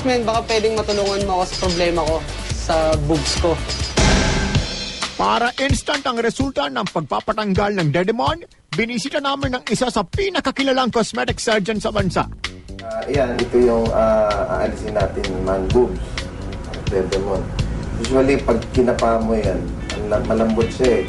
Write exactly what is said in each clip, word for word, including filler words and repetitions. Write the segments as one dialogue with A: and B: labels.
A: Best man, baka pwedeng matulungan mo ako sa problema ko sa boobs ko.
B: Para instant ang resulta ng pagpapatanggal ng Dedemon, binisita namin ng isa sa pinakakilalang cosmetic surgeon sa bansa.
C: Uh, yan, ito yung uh, aalisin natin man boobs. Dedemon. Usually, pag kinapa mo yan, malambot siya eh.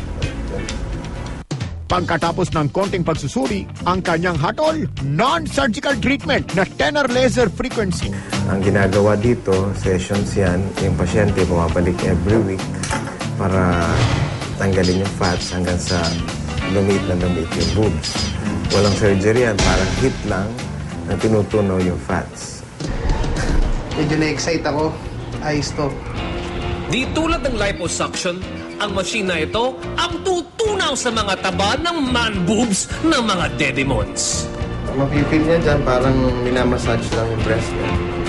B: Pagkatapos ng konting pagsusuri, ang kanyang hatol, non-surgical treatment na tenor laser frequency.
C: Ang ginagawa dito, sessions yan, yung pasyente bumabalik every week para tanggalin yung fats hanggang sa lumit na lumit yung boobs. Walang surgery yan, parang hit lang na tinutunaw yung fats.
A: Medyo na-excite ako. Ayos to.
D: Di tulad ng liposuction, ang machine na ito ang tutunaw sa mga taba ng man boobs ng mga Dedemons.
C: Mapipil niya dyan, parang minamassage lang yung breast niya.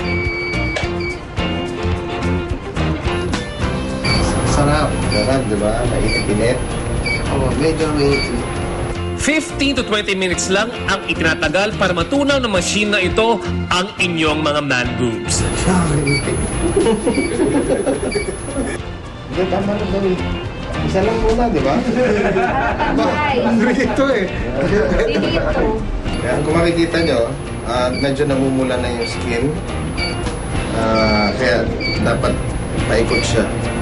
C: Sarap. Sarap, di ba? Nainit-init.
A: Oo, medyo mainit.
D: fifteen to twenty minutes lang ang itinatagal para matunaw ng machine na ito ang inyong mga man boobs.
C: Hindi, tama na ba eh. Isa lang muna, di ba? Rito eh.
E: Dito.
C: Kaya kung makikita nyo, uh, medyo namumula na yung skin. Uh, kaya dapat paikot siya.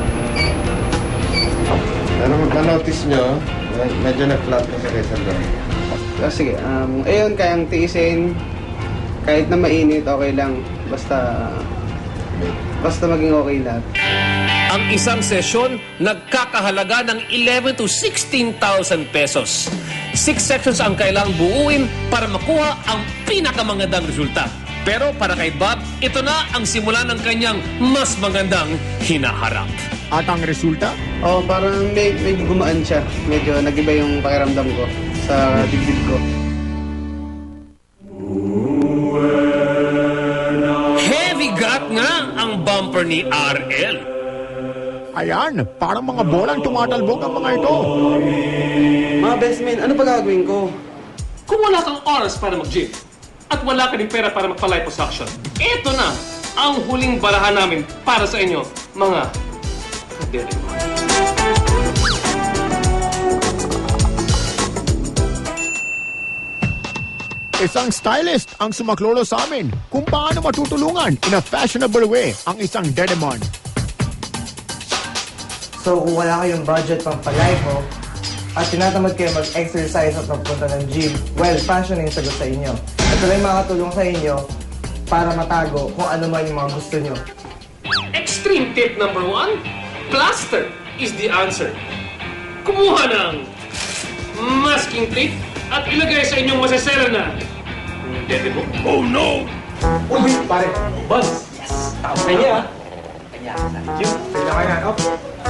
C: Pero ma-notice nyo, medyo na-flat na siya kaysa doon.
A: So, sige, um, ayun, kayang tiisin. Kahit na mainit, okay lang. Basta, basta maging okay lahat.
D: Ang isang sesyon nagkakahalaga ng eleven to sixteen thousand pesos. Six sections ang kailangang buuin para makuha ang pinakamagandang resulta. Pero para kay Bob, ito na ang simula ng kanyang mas magandang hinaharap.
B: At ang resulta?
A: Oo, oh, parang may, medyo gumaan siya. Medyo nag-iba yung pakiramdam ko sa dibdib ko.
D: Heavy gut nga ang bumper ni R L.
B: Ayan, parang mga bolang tumatalbog ang mga ito.
A: Mga best men, ano pa gagawin ko?
D: Kung wala kang oras para mag-gym at wala ka din pera para magpa-liposuction, ito na ang huling barahan namin para sa inyo, mga Dedemon.
B: Isang stylist ang sumaklolo sa amin kung paano matutulungan in a fashionable way ang isang Dedemon.
F: So kung wala kayong budget pang palipo at tinatamad kayo mag-exercise at magpunta ng gym, well, fashion yung sagot sa inyo. At ito lang makatulong sa inyo para matago kung ano man yung mga gusto nyo.
D: Extreme tip number one, plaster is the answer. Kumuha ng masking tape at ilagay sa inyong masasera na Dedemon. Oh no!
F: Uy, pare!
D: Buzz!
F: Yes!
D: Tama niya.
F: Kanya, thank you. Pwede kayo na, up.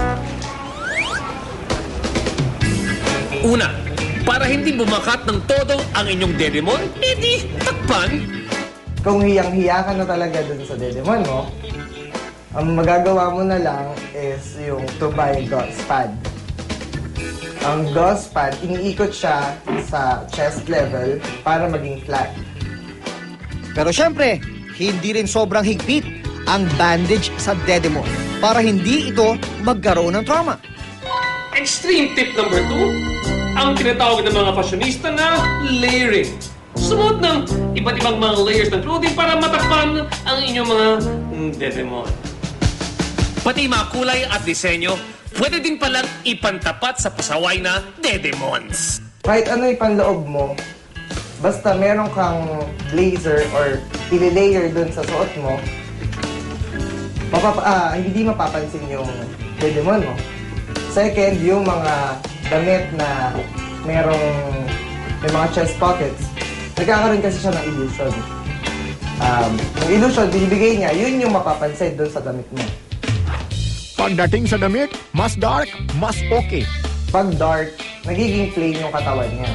D: Una, para hindi bumakat ng todo ang inyong Dedemon, edi takpan.
F: Kung hiyang-hiya ka na talaga dun sa Dedemon mo, ang magagawa mo na lang is yung to buy gauze pad. Ang gauze pad, iniikot siya sa chest level para maging flat.
G: Pero syempre, hindi rin sobrang higpit ang bandage sa Dedemon para hindi ito magkaroon ng trauma.
D: Extreme tip number two, ang tinatawag ng mga fashionista na layering. Sumuot ng iba't ibang mga layers ng clothing para matakpan ang inyong mga Dedemon. Pati mga kulay at disenyo, pwede din palang ipantapat sa pasaway na Dedemons.
F: Kahit ano yung panloob mo, basta meron kang blazer or i-layer dun sa suot mo, mapapa ah, hindi mapapansin yung Dedemon mo. Second, yung mga damit na merong may mga chest pockets, nagkakaroon kasi siya ng illusion. Um, yung illusion, binibigay niya, yun yung mapapansin dun sa damit mo.
B: Pagdating sa damit, mas dark, mas okay.
F: Pag dark, nagiging plain yung katawan niya.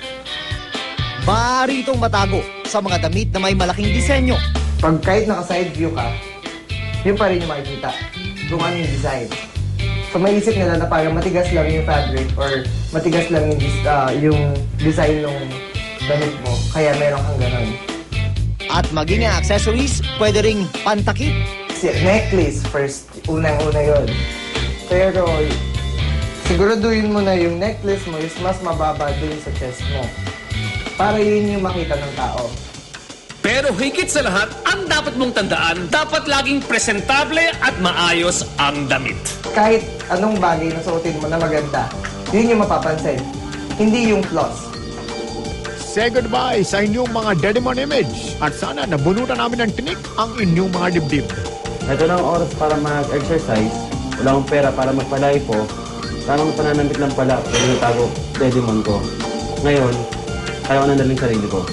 G: Maaari itong matago sa mga damit na may malaking disenyo.
F: Pag kahit naka-side view ka, yun pa rin yung makikita kung ano yung design. So maisip nila na parang matigas lang yung fabric or matigas lang yung, uh, yung design ng damit mo, kaya meron kang ganun.
G: At maging ang accessories, pwede ring pantakip.
F: Si necklace first, unang-una yon. Pero siguraduhin mo na yung necklace mo is mas mababa dun sa chest mo. Para yun yung makita ng tao.
D: Pero higit sa lahat, ang dapat mong tandaan, dapat laging presentable at maayos ang damit.
F: Kahit anong bagay na suotin mo na maganda, yun yung mapapansin. Hindi yung flaws.
B: Say goodbye sa inyong mga Dedemon image at sana nabunutan namin ng tinik ang inyong mga dibdib.
A: Ito na ang oras para mag-exercise. Wala akong pera para magpalipo. Tamang pananambit lang pala pero natago Dedemon ko. Ngayon, kaya ko nandaling sarili ko.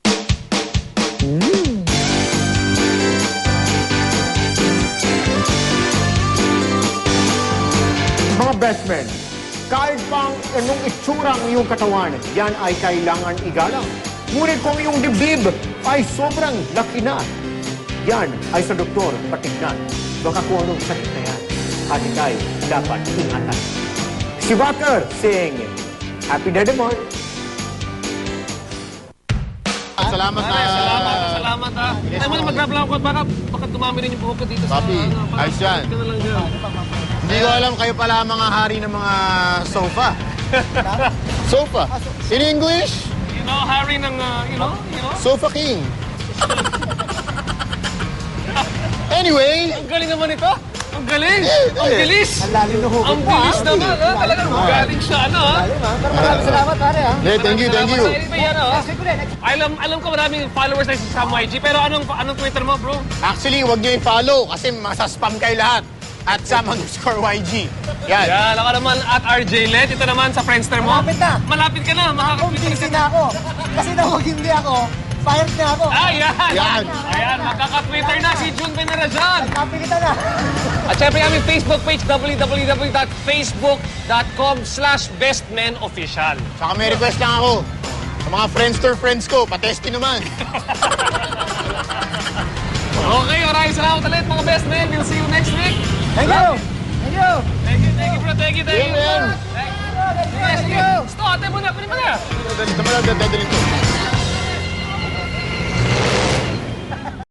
B: Mga best men, kahit pang anong itsura ang iyong katawan, yan ay kailangan igalang. Ngunit kung iyong dibdib ay sobrang laki na, yan ay sa doktor patignan. Baka kung anong sakit na yan, at ikay dapat ingatan. Si Walker saying, Happy Dedemon!
E: Salamat na.
D: Salamat, salamat ha. Ay mo na mag-grab ko at baka, baka dumami rin yung buhok ko dito sa...
E: Papi,
D: ano, baka-
E: ayos yan.
D: ka na lang dyan.
E: Hindi ko alam, kayo pala ang mga hari ng mga sofa. Sofa. In English,
D: You know, Harry ng, uh, you know, you know?
E: Sofa King. Anyway,
D: Ang galing naman ito. Ang galing.
E: Eh,
D: Ang
E: eh.
D: bilis.
G: Ang lalim ng hugot
D: Ang
G: mo,
D: bilis
G: ha?
D: naman ha. Talagang galing siya, ano ha.
G: Pero maraming salamat, pare, ha?
E: hey, thank you, thank you.
D: Salamat sa inyo, ano, ha? Alam, alam ko maraming followers na si Sam Y G, pero anong anong Twitter mo, bro?
E: Actually, huwag niyo i-follow kasi masaspam kayo lahat. At Sam underscore Y G. Yan.
D: Yan, ako naman at R J Let. Ito naman sa Friendster mo.
G: Malapit na.
D: Malapit ka na. Makaka-Twitter ka
G: Busy
D: na.
G: na ako. Kasi na huwag hindi ako, fired na ako.
D: Ah, yan.
E: Yan.
D: Ayan, makaka-Twitter na si June Venerajan.
G: Kapilitan na.
D: At syempre aming Facebook page, w w w dot facebook dot com slash bestmenofficial.
E: Saka may request lang ako. Sa mga Friendster friends ko, patesti naman.
D: Okay, maraming salamat ulit mga best men. We'll see you next week.
G: Thank you. Thank you.
D: Thank you, thank you bro. Thank you, thank you.
E: Yeah, man.
D: Thank you. Thank you. Stop, ate mo na. Kunin mo na.
E: Dito mo lang, dadalhin ko.